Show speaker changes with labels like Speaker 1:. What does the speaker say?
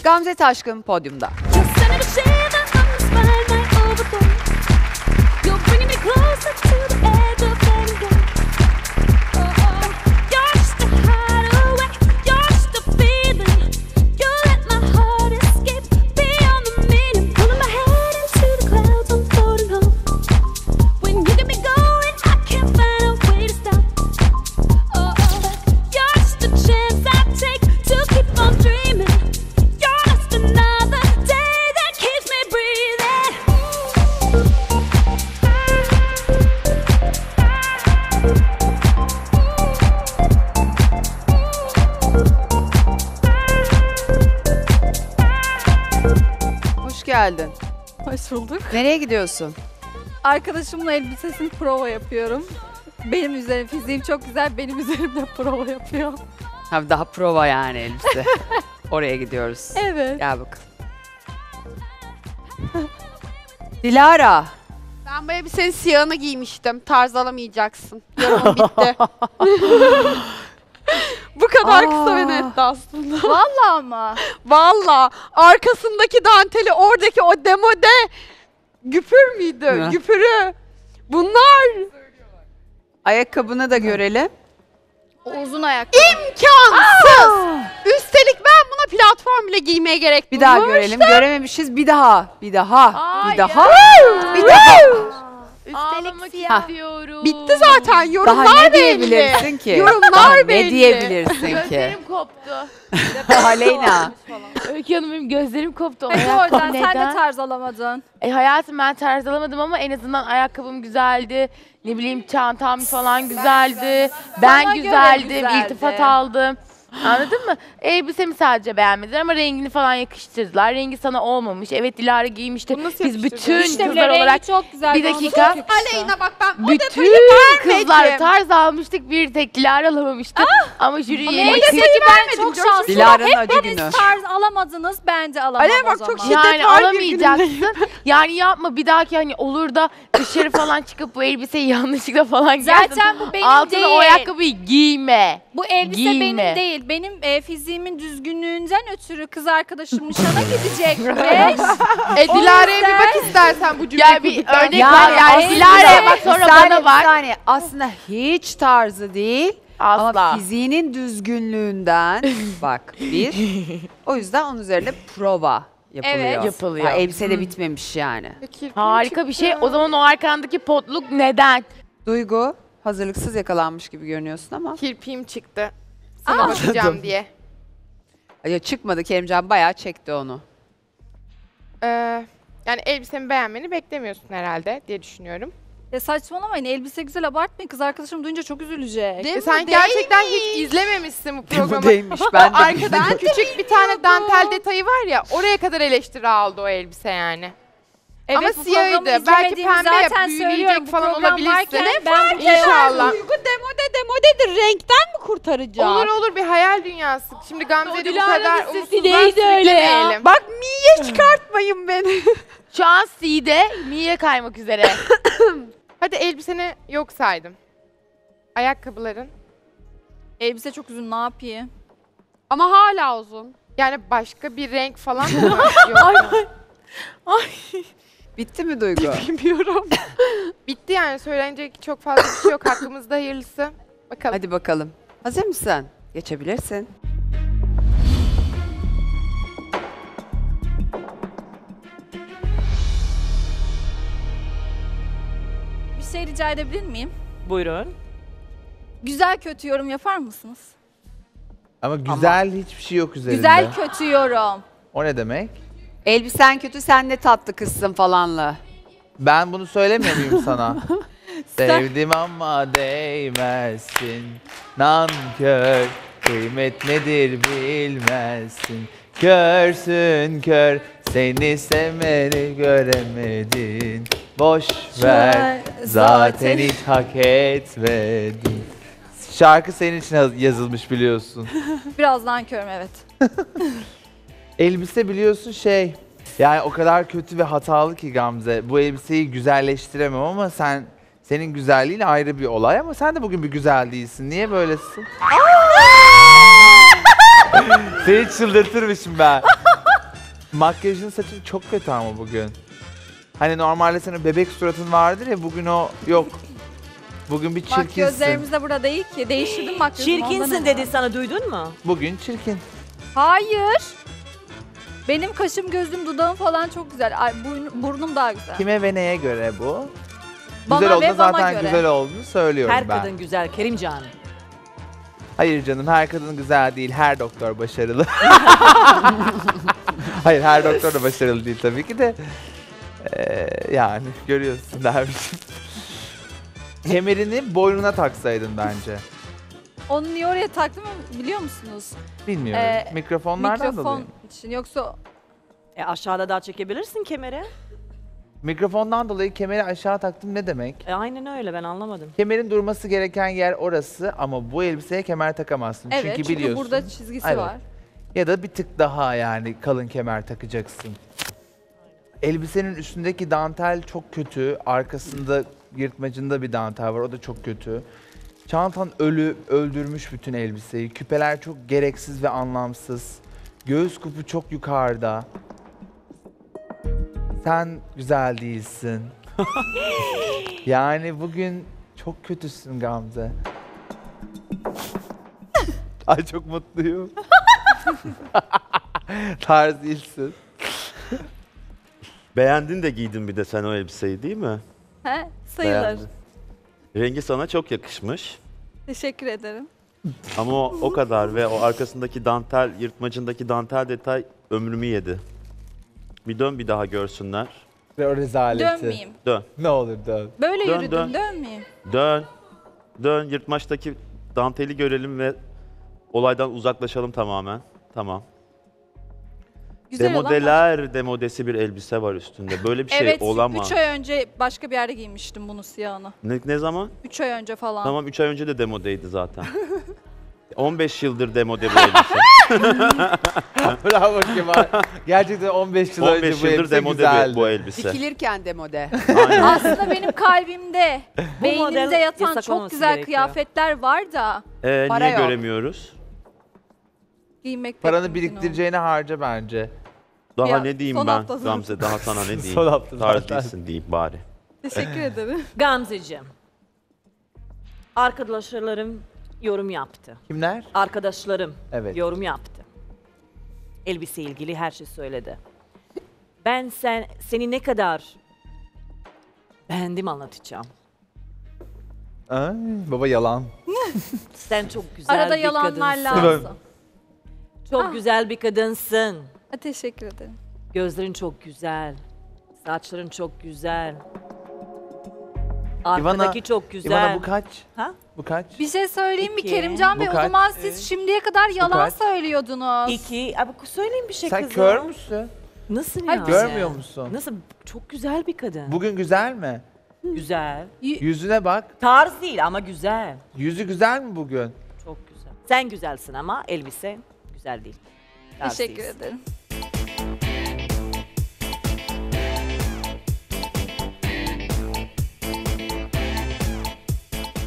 Speaker 1: Gamze Taşkın podyumda. Hoş geldin.
Speaker 2: Hoş bulduk.
Speaker 1: Nereye gidiyorsun?
Speaker 2: Arkadaşımla elbisesini prova yapıyorum. Benim üzerim, fiziğim çok güzel, benim üzerimde prova yapıyor.
Speaker 1: Ha, daha prova yani elbise. Oraya gidiyoruz.
Speaker 2: Evet.
Speaker 1: Gel bakalım. Dilara.
Speaker 3: Ben bu elbisenin siyahını giymiştim. Tarz alamayacaksın. Yorumum bitti. Bu kadar kısa ve netti aslında.
Speaker 2: Vallahi mı?
Speaker 3: Valla arkasındaki danteli, oradaki o demode güpür müydü?
Speaker 1: Ne?
Speaker 3: Güpürü. Bunlar
Speaker 1: Ayakkabını da görelim.
Speaker 2: O uzun ayakkabı.
Speaker 3: imkansız. Üstelik ben buna platform bile giymeye gerek
Speaker 1: Bir daha
Speaker 3: duymamıştım.
Speaker 1: görelim. Görememişiz. Bir daha. Bir daha.
Speaker 4: Ay
Speaker 1: bir daha.
Speaker 4: ya.
Speaker 1: Bir daha.
Speaker 4: Ağlamak
Speaker 1: Ha.
Speaker 4: istiyorum.
Speaker 3: Bitti zaten yorumlar
Speaker 1: Daha ne
Speaker 3: belli.
Speaker 1: diyebilirsin ki?
Speaker 3: Yorumlar
Speaker 1: Daha ne
Speaker 3: belli.
Speaker 1: diyebilirsin ki?
Speaker 4: Gözlerim koptu.
Speaker 1: Aleyna.
Speaker 4: Öykü Hanım benim gözlerim koptu.
Speaker 2: Peki
Speaker 4: Ayakkabı
Speaker 2: o yüzden sen de
Speaker 4: neden?
Speaker 2: tarz alamadın.
Speaker 4: Hayatım ben tarz alamadım ama en azından ayakkabım güzeldi. Ne bileyim çantam falan güzeldi. Ben
Speaker 2: Sana göre
Speaker 4: güzeldim.
Speaker 2: güzeldi.
Speaker 4: İltifat aldım. Anladın mı? Elbisemi sadece beğenmediler ama rengini falan yakıştırdılar. Rengi sana olmamış. Evet Dilara giymişti.
Speaker 3: Bunu nasıl
Speaker 4: Biz
Speaker 3: yakıştırdın?
Speaker 4: bütün
Speaker 2: İşte
Speaker 4: kızlar
Speaker 2: rengi
Speaker 4: olarak
Speaker 2: çok güzel.
Speaker 4: bir
Speaker 2: bana
Speaker 4: dakika.
Speaker 2: çok yakıştı.
Speaker 3: Aleyna bak ben o
Speaker 4: bütün
Speaker 3: detayı
Speaker 4: kızlar
Speaker 3: vermedim.
Speaker 4: tarz almıştık. Bir tek Dilara alamamıştı. Ama jüri
Speaker 2: Ama
Speaker 4: yeni
Speaker 2: neyse ki ben çok şanslıyım.
Speaker 1: Dilara'nın acı
Speaker 2: Hepiniz
Speaker 1: günü.
Speaker 2: tarz alamadınız, bence alamam
Speaker 3: Aleyna
Speaker 2: o
Speaker 3: bak
Speaker 2: zaman.
Speaker 3: çok şiddet
Speaker 4: Yani
Speaker 3: var
Speaker 4: alamayacaksın. Yani yapma bir dahaki hani olur da dışarı falan çıkıp bu elbiseyi yanlışlıkla falan giyersin.
Speaker 2: Zaten bu benim
Speaker 4: Altına
Speaker 2: değil.
Speaker 4: o ayakkabıyı giyme.
Speaker 2: Bu elbise
Speaker 4: Giyme.
Speaker 2: benim değil. Benim fiziğimin düzgünlüğünden ötürü kız arkadaşım nişana gidecekmiş.
Speaker 3: Dilara'ya bir bak istersen bu cümleyi
Speaker 4: Gel bir
Speaker 3: kurduktan
Speaker 4: örnek
Speaker 3: sonra.
Speaker 4: ver. Yani
Speaker 1: aslında-
Speaker 4: Dilara'ya bak sonra
Speaker 1: Bir saniye,
Speaker 4: bana
Speaker 1: bir
Speaker 4: bak.
Speaker 1: saniye. Aslında hiç tarzı değil. Ama
Speaker 4: Asla.
Speaker 1: fiziğinin düzgünlüğünden bak bir. O yüzden onun üzerine prova yapılıyor.
Speaker 2: Evet.
Speaker 4: Yapılıyor.
Speaker 1: Ha, elbise de bitmemiş yani.
Speaker 4: Harika bir şey. O zaman o arkandaki potluk neden?
Speaker 1: Duygu hazırlıksız yakalanmış gibi görünüyorsun ama.
Speaker 3: Kirpiğim çıktı. Sana bakacağım diye.
Speaker 1: Ya çıkmadı, Kerimcan bayağı çekti onu.
Speaker 3: Yani elbisemi beğenmeni beklemiyorsun herhalde diye düşünüyorum.
Speaker 2: Ya saçmalamayın, elbise güzel, abartmayın. Kız arkadaşım duyunca çok üzülecek.
Speaker 3: Sen gerçekten hiç izlememişsin bu programı.
Speaker 1: Değilmiş ben de.
Speaker 3: Arkadan küçük bir tane dantel detayı var ya, oraya kadar eleştiri aldı o elbise yani.
Speaker 2: Evet,
Speaker 3: Ama
Speaker 2: bu
Speaker 3: siyahıydı.
Speaker 2: programı
Speaker 3: Belki
Speaker 2: izlemediğimi
Speaker 3: pembe
Speaker 2: zaten
Speaker 3: büyüleyecek
Speaker 2: söylüyorum. Bu
Speaker 3: falan
Speaker 2: program
Speaker 3: olabilirsin.
Speaker 2: varken ben bu
Speaker 3: İnşallah.
Speaker 5: Duygu demodedir. Renkten mi kurtaracak?
Speaker 3: Olur olur, bir hayal dünyası. Şimdi Gamze'de bu
Speaker 4: Dilara'nın
Speaker 3: kadar
Speaker 4: sesi
Speaker 3: umutsuzluğa
Speaker 4: neydi öyle ya?
Speaker 3: sürüklemeyelim.
Speaker 5: Bak Miye çıkartmayın beni.
Speaker 4: Şu an C'de Mi'ye kaymak üzere.
Speaker 3: Hadi elbiseni yok saydım. Ayakkabıların.
Speaker 2: Elbise çok uzun, ne yapayım?
Speaker 3: Ama hala uzun. Yani başka bir renk falan mı yok?
Speaker 1: Bitti mi Duygu?
Speaker 3: Bilmiyorum. Bitti yani, söylenecek çok fazla bir şey yok. Hakkımızda hayırlısı. Bakalım.
Speaker 1: Hadi bakalım. Hazır mısın? Geçebilirsin.
Speaker 2: Bir şey rica edebilir miyim?
Speaker 6: Buyurun.
Speaker 2: Güzel kötü yorum yapar mısınız?
Speaker 7: Ama güzel hiçbir şey yok üzerinde.
Speaker 2: Güzel kötü yorum.
Speaker 7: O ne demek?
Speaker 1: Elbisen kötü, sen ne tatlı kızsın falanla.
Speaker 7: Ben bunu söylemiyor muyum sana? Sevdim ama değmezsin. Nankör, kıymet nedir bilmezsin. Körsün kör, seni sevmeni göremedin. Boş ver, zaten hiç hak etmedin. Şarkı senin için yazılmış biliyorsun.
Speaker 2: Birazdan körüm, evet.
Speaker 7: Elbise biliyorsun şey, yani o kadar kötü ve hatalı ki Gamze. Bu elbiseyi güzelleştiremem ama senin güzelliğin ayrı bir olay ama sen de bugün bir güzel değilsin. Niye böylesin? Seni çıldırtırmışım ben. Makyajın saçın çok kötü ama bugün. Hani normalde senin bebek suratın vardır ya bugün o yok. Bugün bir
Speaker 2: Bak
Speaker 7: çirkinsin.
Speaker 2: gözlerimiz de burada değil ki. Değiştirdim makyajımı. ondan
Speaker 6: Çirkinsin
Speaker 2: herhalde.
Speaker 6: dedi sana, duydun mu?
Speaker 7: Bugün çirkin.
Speaker 2: Hayır. Benim kaşım, gözüm, dudağım falan çok güzel. Ay, burnum daha güzel.
Speaker 7: Kime ve neye göre bu?
Speaker 2: Bana
Speaker 7: Güzel
Speaker 2: ve
Speaker 7: olduğunda
Speaker 2: bana
Speaker 7: zaten
Speaker 2: göre.
Speaker 7: güzel olduğunu söylüyorum
Speaker 6: Her
Speaker 7: ben.
Speaker 6: kadın güzel Kerimcan.
Speaker 7: Hayır canım her kadın güzel değil. Her doktor başarılı. Hayır her doktor da başarılı değil tabii ki de. Yani görüyorsun dermişim. Kemerini boynuna taksaydın bence.
Speaker 2: Onu niye oraya taktım biliyor musunuz?
Speaker 7: Bilmiyorum. Mikrofonlardan
Speaker 2: Mikrofon
Speaker 7: dolayı.
Speaker 2: için. Yoksa
Speaker 6: Aşağıda daha çekebilirsin kemeri.
Speaker 7: Mikrofondan dolayı kemeri aşağı taktım ne demek?
Speaker 6: Aynen öyle, ben anlamadım.
Speaker 7: Kemerin durması gereken yer orası ama bu elbiseye kemer takamazsın.
Speaker 2: evet,
Speaker 7: çünkü biliyorsun.
Speaker 2: burada çizgisi
Speaker 7: Evet.
Speaker 2: var.
Speaker 7: Ya da bir tık daha yani kalın kemer takacaksın. Elbisenin üstündeki dantel çok kötü. Arkasında yırtmacında bir dantel var. O da çok kötü. Çantan öldürmüş bütün elbiseyi. Küpeler çok gereksiz ve anlamsız. Göğüs kupu çok yukarıda. Sen güzel değilsin. Yani bugün çok kötüsün Gamze. Ay çok mutluyum. Tarz değilsin.
Speaker 8: Beğendin de giydin bir de sen o elbiseyi değil mi?
Speaker 2: He? Sayılır.
Speaker 8: Beğendin. Rengi sana çok yakışmış.
Speaker 2: Teşekkür ederim.
Speaker 8: Ama o kadar ve o arkasındaki dantel, yırtmacındaki dantel detay ömrümü yedi. Bir dön bir daha görsünler.
Speaker 7: Ve o rezaleti.
Speaker 2: Dönmeyeyim.
Speaker 8: Dön,
Speaker 7: Ne olur dön.
Speaker 2: Böyle
Speaker 8: Dön,
Speaker 2: yürüdüm,
Speaker 8: dön.
Speaker 2: dönmeyeyim.
Speaker 8: dön. Dön, yırtmaçtaki danteli görelim ve olaydan uzaklaşalım tamamen. Tamam.
Speaker 2: Güzel olan var.
Speaker 8: Demodesi bir elbise var üstünde. Böyle bir şey
Speaker 2: Evet,
Speaker 8: olamaz.
Speaker 2: 3 ay önce başka bir yerde giymiştim bunu, siyahını.
Speaker 8: Ne zaman?
Speaker 2: 3 ay önce falan.
Speaker 8: Tamam 3 ay önce de demodeydi zaten. 15 yıldır demode bu elbise.
Speaker 7: Bravo Kemal. Gerçekten 15 yıl önce
Speaker 8: 15
Speaker 7: bu
Speaker 8: yıldır
Speaker 7: elbise
Speaker 8: demode
Speaker 7: güzeldi.
Speaker 8: bu elbise.
Speaker 1: Dikilirken demode.
Speaker 8: Aynen.
Speaker 2: Aslında benim kalbimde, beynimde
Speaker 6: model
Speaker 2: yatan
Speaker 6: yasak
Speaker 2: çok
Speaker 6: olması
Speaker 2: güzel
Speaker 6: gerekiyor.
Speaker 2: kıyafetler var da
Speaker 1: Para
Speaker 8: Niye
Speaker 1: yok.
Speaker 8: göremiyoruz?
Speaker 2: giymek pek
Speaker 7: Paranı
Speaker 2: mümkün
Speaker 7: biriktireceğine harca bence.
Speaker 8: Daha
Speaker 2: Ya,
Speaker 8: ne diyeyim
Speaker 2: son
Speaker 8: ben
Speaker 2: hafta sonu.
Speaker 8: Gamze, daha sana ne diyeyim?
Speaker 7: Son hafta
Speaker 8: Tarz
Speaker 7: zaten.
Speaker 8: değilsin diyeyim bari.
Speaker 2: olmaz. Teşekkür ederim.
Speaker 6: Gamzeciğim. Arkadaşlarım yorum yaptı.
Speaker 7: Kimler?
Speaker 6: Arkadaşlarım
Speaker 7: Evet.
Speaker 6: yorum yaptı. Elbise ilgili her şey söyledi. Ben seni ne kadar beğendim anlatacağım.
Speaker 7: Ay, baba yalan.
Speaker 6: Sen çok güzel
Speaker 2: Arada
Speaker 6: bir
Speaker 2: yalanlar
Speaker 6: kadınsın.
Speaker 2: lazım.
Speaker 6: Çok
Speaker 2: Ah.
Speaker 6: güzel bir kadınsın.
Speaker 2: Teşekkür ederim.
Speaker 6: Gözlerin çok güzel. Saçların çok güzel. Arkadaki çok güzel.
Speaker 7: İvana bu kaç?
Speaker 6: Ha?
Speaker 7: Bu kaç?
Speaker 2: Bir şey söyleyeyim mi
Speaker 6: İki.
Speaker 2: Kerimcan Bey?
Speaker 7: Bu
Speaker 2: O
Speaker 7: kaç?
Speaker 2: zaman siz şimdiye kadar yalan
Speaker 7: kaç?
Speaker 2: söylüyordunuz.
Speaker 6: 2. Abi söyleyeyim bir şey
Speaker 7: Sen
Speaker 6: kızım.
Speaker 7: kör müsün?
Speaker 6: Nasıl
Speaker 2: Hayır,
Speaker 6: ya?
Speaker 7: Görmüyor musun?
Speaker 6: Nasıl? Çok güzel bir kadın.
Speaker 7: Bugün güzel mi?
Speaker 6: Güzel.
Speaker 7: Yüzüne bak.
Speaker 6: Tarz değil ama güzel.
Speaker 7: Yüzü güzel mi bugün?
Speaker 6: Çok güzel. Sen güzelsin ama elbise güzel değil. Tarz
Speaker 2: Teşekkür
Speaker 6: değilsin.
Speaker 2: ederim.